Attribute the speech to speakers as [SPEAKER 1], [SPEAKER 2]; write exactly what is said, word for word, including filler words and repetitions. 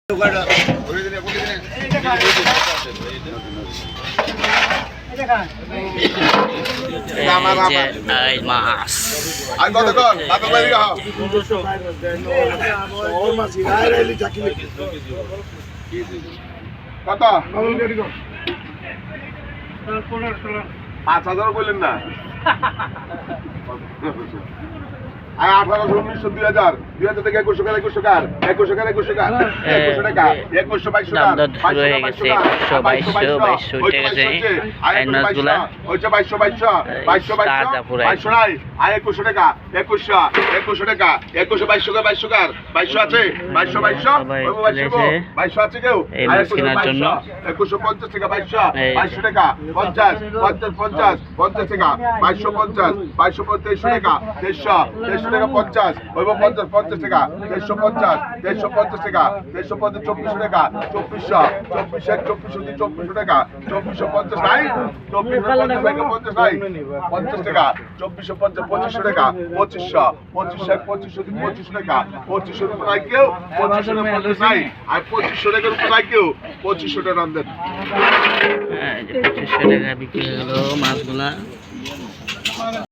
[SPEAKER 1] পাঁচ হাজার বললেন না আঠারোশো উনিশশো দুই হাজার দুই হাজার থেকে একুশশো কার একুশশো কার একুশশো কার একুশশো কার একুশশো টাকা একুশশো বাইশশো কার বাইশশো বাইশশো বাইশশো বাইশশো বাইশশো বাইশশো বাইশশো নাই আর একুশশো টাকা একুশশো একুশশো টাকা একুশশো বাইশশো কার বাইশশো কার বাইশশো আছে বাইশশো বাইশশো বাইশশো আছে কেউ একুশশো পঞ্চাশ টাকা বাইশশো বাইশশো টাকা পঞ্চাশ পঞ্চাশ পঞ্চাশ পঞ্চাশ টাকা বাইশশো পঞ্চাশ বাইশশো পঞ্চাশ টাকা দেড়শো দেড়শো টাকা পঞ্চাশ ওইব পঞ্চাশ পঞ্চাশ টাকা দেড়শো পঞ্চাশ দেড়শো পঞ্চাশ টাকা দেড়শো পঞ্চাশ চব্বিশশো টাকা চব্বিশশো চব্বিশশো চব্বিশশো দুই চব্বিশশো টাকা চব্বিশশো পঞ্চাশ নাই চব্বিশশো পঞ্চাশ টাকা পঞ্চাশ নাই পঞ্চাশ টাকা চব্বিশশো পঞ্চাশ পঁচিশশো টাকা পঁচিশশো পঁচিশশো পঁচিশশো দুই পঁচিশশো টাকা পঁচিশশো উপর নাই কেউ পঁচিশশো টাকা পঞ্চাশ নাই আর পঁচিশশো টাকার উপর নাই কেউ পঁচিশশো টাকা রান দেন
[SPEAKER 2] পঁচিশশো টাকা বিক্রি হলো মাছগুলা।